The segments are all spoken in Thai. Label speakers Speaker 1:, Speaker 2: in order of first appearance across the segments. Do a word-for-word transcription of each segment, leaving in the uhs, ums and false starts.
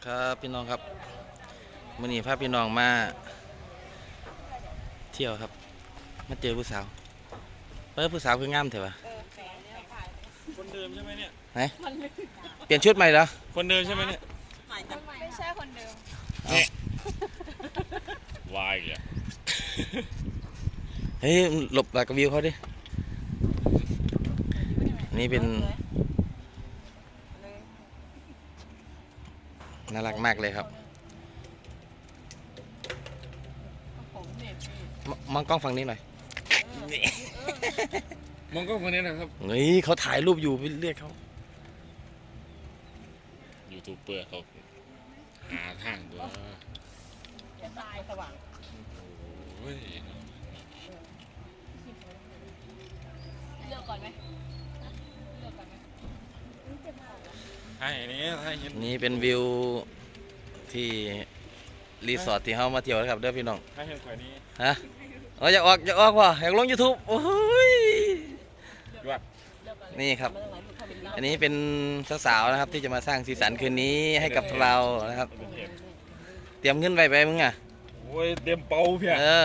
Speaker 1: ครับพี่น้องครับมื่อนี้พาพี่น้องมาเที่ยวครับมาเจอผู้สาวเออผู้สาวคืองามเถอะวะ
Speaker 2: คนเดิมใช่ไหมเนี่ย
Speaker 1: ไหนเปลี่ยนชุดใหม่เหรอ
Speaker 2: คนเดิมใช่ไหมเนี่ย
Speaker 3: ไม่ใช่คนเดิม
Speaker 2: วายอ่ะ
Speaker 1: เฮ้ยหลบหลักวิวเขาดินี่เป็นน่ารักมากเลยครับมองกล้องฝั่งนี้หน่อย
Speaker 2: มองกล้องฝั่งนี้นะครับ
Speaker 1: เฮ้ยเขาถ่ายรูปอยู่ไปเรียกเขา
Speaker 2: ยูทูบเบอร์เขาหาทางด้วย
Speaker 3: ตายสว่าง
Speaker 2: โอ้ย
Speaker 3: เลือกก่อนไหมเลือกก่อนไหม
Speaker 2: ให้นี้ให้เห็น
Speaker 1: นี่เป็นวิวที่รีสอร์ทที่เขามาเที่ยวนะครับเด้อพี่น้อง
Speaker 2: ให้เห็นข่อยนี้
Speaker 1: ฮะเราอยากออกอยากออกว่ะอยากลง ยูทูบ โอ้ยนี่ครับอันนี้เป็นสาวๆนะครับที่จะมาสร้างสีสันคืนนี้ให้กับเรานะครับเตรียมเงินไปไปมึงอ่ะ
Speaker 2: โอ้ยเตรียมเป่าเพีย
Speaker 1: เออ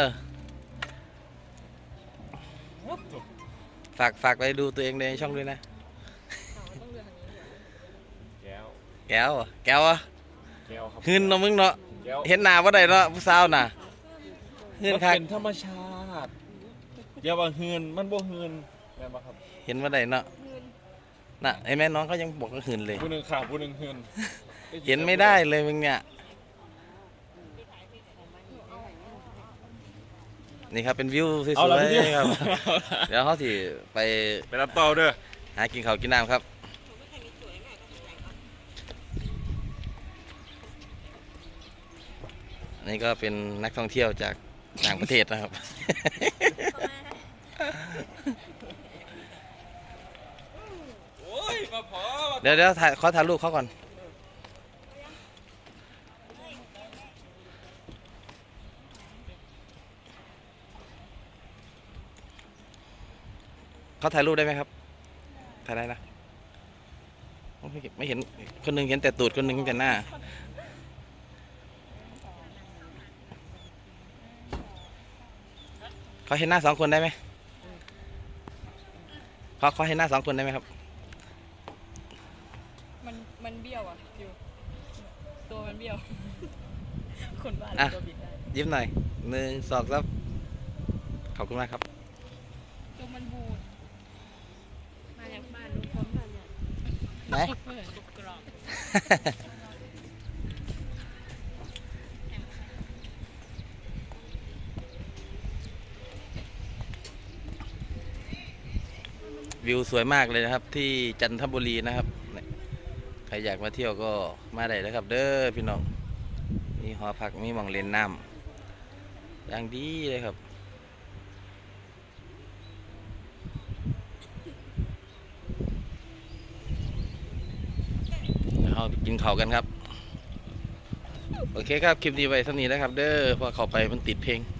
Speaker 1: ฝากฝากไปดูตัวเองในช่องด้วยนะ
Speaker 2: แก้ว
Speaker 1: แก้วแก้วอะ
Speaker 2: แก้วครับ
Speaker 1: หืนเนาะมึงเนาะเห็นหน้าว่าใดเนาะผู้สาวน่ะ
Speaker 2: หืนคักเป็นธรรมชาติอย่าว่าหืนมันบ่หืนแม่นบ่ครับ
Speaker 1: เห็นว่าใดเนาะน่ะไอ้แม่น้องเขายังบอกว่าหืนเลย
Speaker 2: ผู้หนึ่งข่าวผู้หนึ่งหืน
Speaker 1: เห็นไม่ได้เลยมึงเนี่ยนี่ครับเป็นวิวสวยๆครับเดี๋ยวเขาสิไป
Speaker 2: ไปรับเต่าเด้อ
Speaker 1: หากินข้าวกินน้ำครับนี่ก็เป็นนักท่องเที่ยวจากต่างประเทศนะครับเดี๋ยวเดี๋ยวถ่ายขอถ่ายรูปเขาก่อนเขาถ่ายรูปได้ไหมครับถ่ายได้นะไม่เห็นคนหนึ่งเห็นแต่ตูดคนหนึ่งเห็นแต่หน้าเขาเห็นหน้าสองคนได้ไหมเขาเขาเห็นหน้าสองคนได้ไหมครับ
Speaker 3: มันมันเบี้ยวอ่ะอยู่ตัวมันเบี้ยวคนบ้าตัวบิดได้
Speaker 1: ยิ้มหน่อยหนึ่งสองสามขอบคุณมากครับ
Speaker 3: ตัวมันบูดมาจากบ้านลุงพลบ้านเนี่ย
Speaker 1: ไหน
Speaker 3: กรอบ
Speaker 1: วิวสวยมากเลยนะครับที่จันทบุรีนะครับใครอยากมาเที่ยวก็มาได้นะครับเด้อพี่น้องมีหอพักมีหม่องเล่นน้ำอย่างดีเลยครับเรากินข้าวกันครับโอเคครับคลิปนี้ไว้เท่านี้นะครับเด้อพอเข้าไปมันติดเพลง